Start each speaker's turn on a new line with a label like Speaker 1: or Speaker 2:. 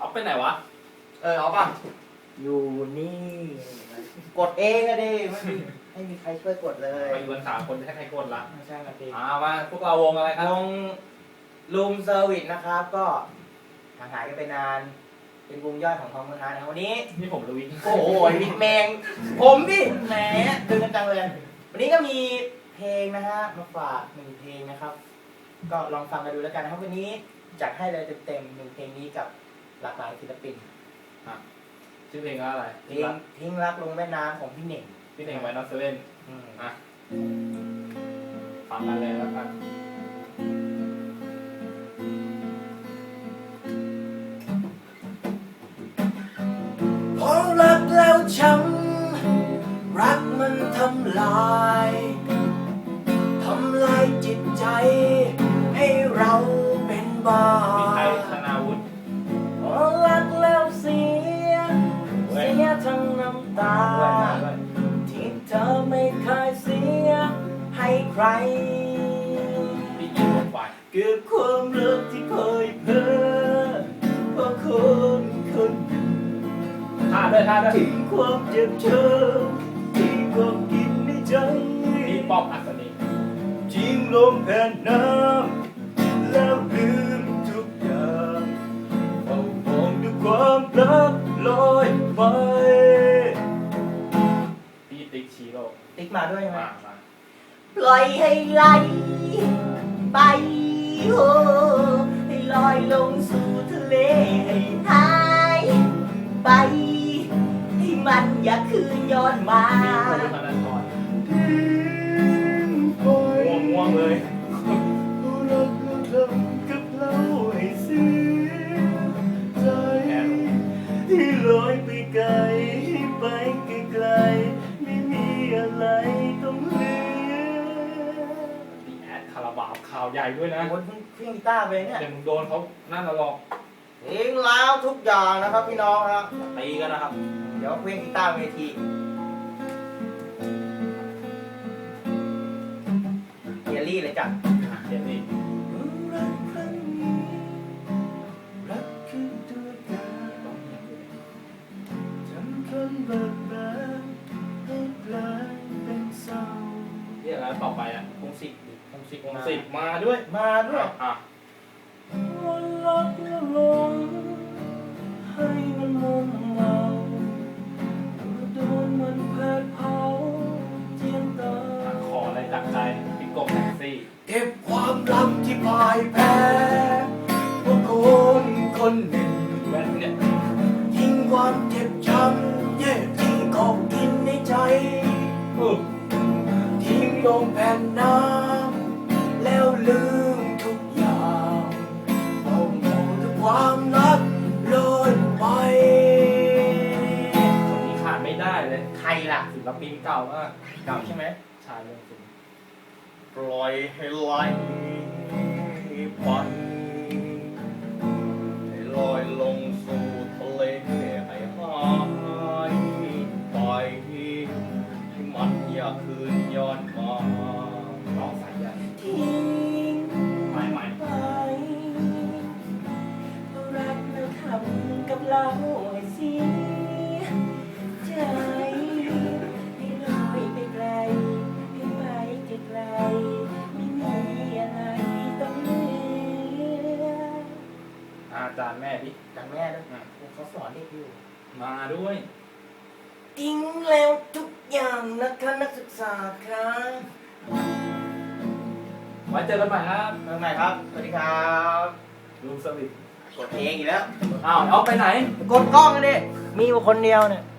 Speaker 1: เอาไปไหนวะ
Speaker 2: เอาป่ะอยู่นี่กดเองอะดิไม่มีใครช่วยกดเลย
Speaker 1: ไปอยู่กัน3 คนจะให้ใครกดละ
Speaker 2: ไม่ใช่ครับพี่
Speaker 1: มาพวกเราวงอะไรครับ
Speaker 2: วงรูมเซอร์วิสนะครับ ก็ห่างหายกันไปนาน เป็นวงย่อยของทองมือฮานะวันนี้
Speaker 1: นี่ผมลุย
Speaker 2: โอ้โหวิดแมงผมดิแหมดึงกันจังเลย วันนี้ก็มีเพลงนะฮะมาฝาก1 เพลงนะครับ ก็ลองฟังกันดูแล้วกันนะครับวันนี้จัดให้เลยเต็มๆ1 เพลงนี้กับหลากหลายศิลปิน
Speaker 1: ชื่อเพลงว่าอะไร
Speaker 2: เพลงทิ้งรักลงแม่น้ำของพี่เหน่ง
Speaker 1: พี่เน่งไว้นอตเซเว่น
Speaker 2: อ่ะ
Speaker 1: ฟังกันเลยแล้วกัน
Speaker 2: พอรักแล้วช้ำรักมันทำลายจิตใจให้เราเป็นบ้า
Speaker 1: มีใครธนาวุฒิ
Speaker 2: พอรักแล้วเสียทั้งน้ำตาที่เธอไม่เคยเสียให้ใคร
Speaker 1: พี่ยิงลงไป
Speaker 2: เก็บความรักที่เคยเพ้อเพราะคน
Speaker 1: ท่าด้วย
Speaker 2: ทิ้งความเจ็บช้ำที่ความกินในใจ
Speaker 1: พี่ป๊อปอัศนี
Speaker 2: ทิ้งลมแผ่นน้ำแล้วลืมทุกอย่างเฝ้ามองด้วยความรักลอยไป
Speaker 1: พี่ติ๊กชีโร่
Speaker 2: ติ๊กมาด้วยไหม
Speaker 1: มา
Speaker 2: ปล่อยให้ไหลไปโอ้ให้ลอยลงสู่ทะเลให้หายไปให้มันอย่าคืนย้อนมา
Speaker 1: พี่ภูธนาธรง่วงเลย
Speaker 2: รักแล้วทำกับเราให้เสียใจที่ลอยไปไกลไปไกลๆไม่มีอะไรต้องเหลือ
Speaker 1: พี่แอดคาราบาวข่าวใหญ่ด้วยนะ
Speaker 2: โอ้ยเครื่องกีตาร์ไปเนี่ย
Speaker 1: เดี๋ยวมึงโดนเขานั่นละหรอก
Speaker 2: เพลงแล้วทุกอย่างนะครับพี่น้องครับตีกันนะครับ เดี๋ยวเครื่องกีตาร์เวทีเฮียรี่เลยจ้ะ
Speaker 1: เดี๋ยวนี้
Speaker 2: รักครั้งนี้รักคือตัวการทำคนเบิกบานให้กลายเป็นเศร้า
Speaker 1: เรียกอะไรต่อไปอ่ะ
Speaker 2: คงสิบ
Speaker 1: มาด้วย
Speaker 2: มาด้วย วันรักและลงให้มันมุมเมาโดนมันแผดเผาเจียนตา
Speaker 1: ขออะไรจากใจพี่กบแท็กซี่
Speaker 2: เก็บความลับที่พ่ายแพ้เพราะคนหนึ่ง
Speaker 1: แว่นเนี่ย
Speaker 2: ทิ้งความเจ็บช้ำเย่ที่ของกินในใจทิ้งลงแผ่นน้ำแล้วลืมทุกอย่างเอาหมดด้วยความรักลอยไป
Speaker 1: คนนี้ขาดไม่ได้เลย
Speaker 2: ใครล่ะ
Speaker 1: ศิลปินเก่ามาก
Speaker 2: เก่าใช่ไหม
Speaker 1: ชายเรื่องสิง
Speaker 2: ปล่อยให้ไหลไปให้ลอยลงสู่ทะเลให้หายไปให้มันอย่าคืนย้อนมา
Speaker 1: น้องสายใหญ่
Speaker 2: ทิ้ง
Speaker 1: ใหม่
Speaker 2: ไปรักแล้วทำกับเราให้เสียใจให้ลอยไปไกลให้ไปไกลไม่มีอะไรต้องเหลือ
Speaker 1: อาจารย์แม่ดิ
Speaker 2: จากแม่ด้วยเขาสอนเด็กอยู่
Speaker 1: มาด้วย
Speaker 2: ทิ้งแล้วทุกอย่างนะคะนักศึกษาครับ
Speaker 1: ไว้เจอกันใหม่ครับ
Speaker 2: เมื่อไหร่ครับ สวัสดีครับ
Speaker 1: ลุงสวิต
Speaker 2: กดเพลงอีกแล้ว
Speaker 1: อ้าวเอาไปไหน
Speaker 2: กดกล้องกันดิ มีอยู่คนเดียวเนี่ย